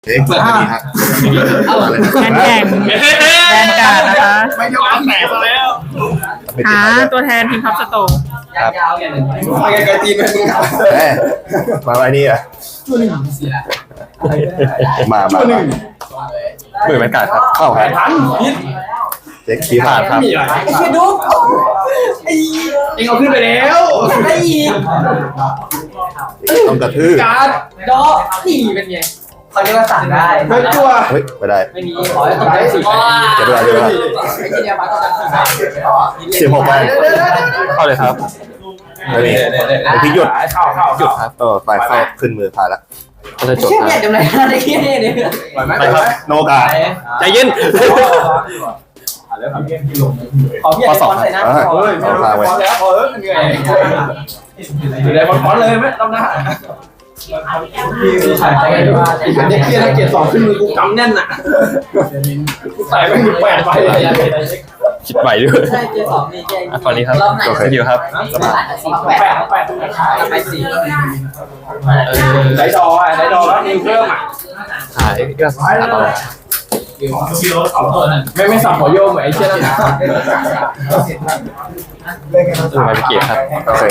เด็กเปิดดีฮะงานแข่งแบนการ์ดนะคะไม่ยอมแตกซะแล้วหาตัวแทนทีมพับสโตงครับมาไกลๆตีนไปมึงมาไว้นี่อ่ะมาหมื่นบรรยากาศครับเข้าครับเจ๊ขี้ผ่านครับไอ้เชี่ยดุ๊กไอ้เอ็งเอาขึ้นไปแล้วไอ้อีกต้องกระทืบการ์ดดอนี่เป็นไงเขาเรียกว่าสั่งได้เฮ้ยตัวเฮ้ยไม่ได้ไม่มีขอให้ตกใจสิจะด้วยจะด้วยไอ้เชี่ยมาต้องการสั่ง 16 ใบเข้าเลยครับนี่พี่หยุดหยุดครับไฟเข้าขึ้นมือผ่านแล้วเขาจะจดเชี่ยคเนี่ยรับจำไรไอ้เชี่ยเนี่ยไปครับโนกาใจเย็นขอพี่ไอ้ฟอนใส่หน้าขอเลยเอาพาไว้แล้วพอแล้วเหนื่อยอยู่ในฟอนเลยไหมต้องหน้าเด็กเชี่ยเกียร์2ขึ้นมือกูกำแน่นอ่ะกูใส่ไม่ถึง8ใบเลยคิดไหวด้วยใช่เกียร์2นี่เกียร์ตอนนี้ครับสกิลครับ 8ไป4ได้ดอได้ดอแล้วนิวเพิ่มอ่ะหายก็ต่อไม่สับหัวโยมไอ้เชี่ยนั่นนะมาเป็นเกียร์ครับโอเค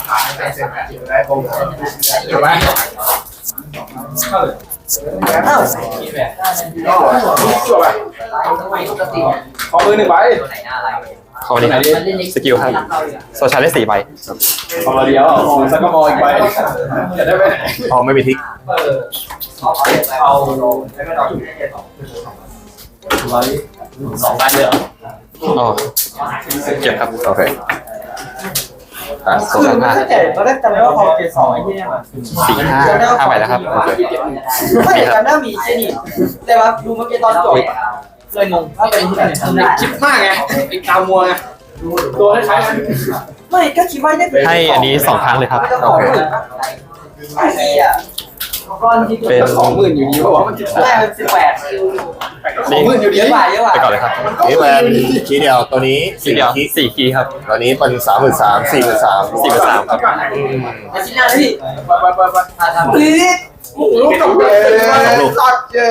ขอมือ1ใบเข้ามาดีครับสกิลครับโซชาร์ได้4 ใบขอเดียวสักก็มออีกใบจะได้ไหมพอไม่มีทิกเอา2ใบเลยอ๋อเก็บครับโอเคโซชาร์5 ตอนแรกจำได้ว่าพอเกียร์2ไอ้ที่เนี่ย 4 5 5 ใบแล้วครับไม่จำได้มีเจนี่แต่ว่าดูเมื่อกี้ตอนจบเลยงงว่าเป็นที่ไหนคิดมากไงไอ้ตามัวไงตัวคล้ายๆกันไม่ก็คิดว่าได้ให้อันนี้2 ครั้งเลยครับไอ้เหี้ยเป็น 20,000อยู่ดีเพราะว่ามันได้เป็น18,000อยู่ดีเยอะกว่าไปก่อนเลยครับนี่แวนคีเดียวตัวนี้ 4 เดียว4 คีย์ครับตัวนี้เป็น33,000 43,000 43,000ครับอาชิ้นหน้าพี่ไปโอ้โหลูกกับตัดเย้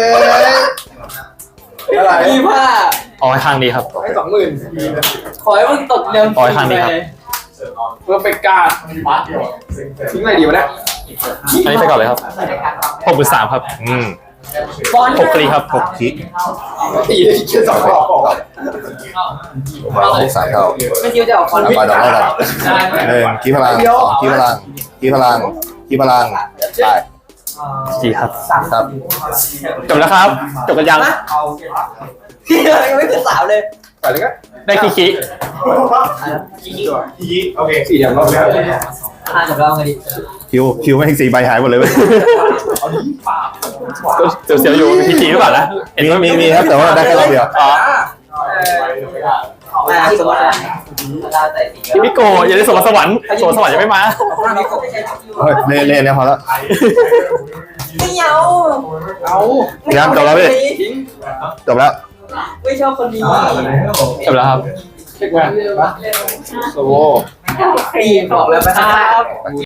อะไรพี่ผ้าอ๋อข้างนี้ครับให้20,000ขอให้มึงตกเดิมขอให้ทางนี้ครับเพื่อเป็นการทิ้งอะไรดีวะเนี่ยอันนี้ไปก่อนเลยครับ63,000ครับบอล 6 คลีครับ 6 คิกตีแค่2 รอบมา3 เท่าไม่คิดจะออกคอนไปดอกแรกกัน1คีพลัง2คีพลังคีพลังคีพลังได้จีครับครับจบแล้วครับ จบกันยังที่ยังไม่ขึ้น3เลยไปเลยก็ได้คีคีโอเค 4อย่างรอบแล้วจบแล้วไงดิคิวไม่ถึง4 ใบหายหมดเลยเว้ยเสียวๆอยู่มีคีคีหรือเปล่านะมีครับแต่ว่าได้แค่รอบเดียวอ๋อสมมติพี่มิโกะอย่าได้สวรรค์สวรรค์ยังไม่มาเฮ้ยเล่นเนี่ยพอแล้วไม่เอายังจบแล้วพี่จบแล้วไม่ชอบคนนี้จบแล้วครับเช็คแวนโซโวบอกแล้วนะครับ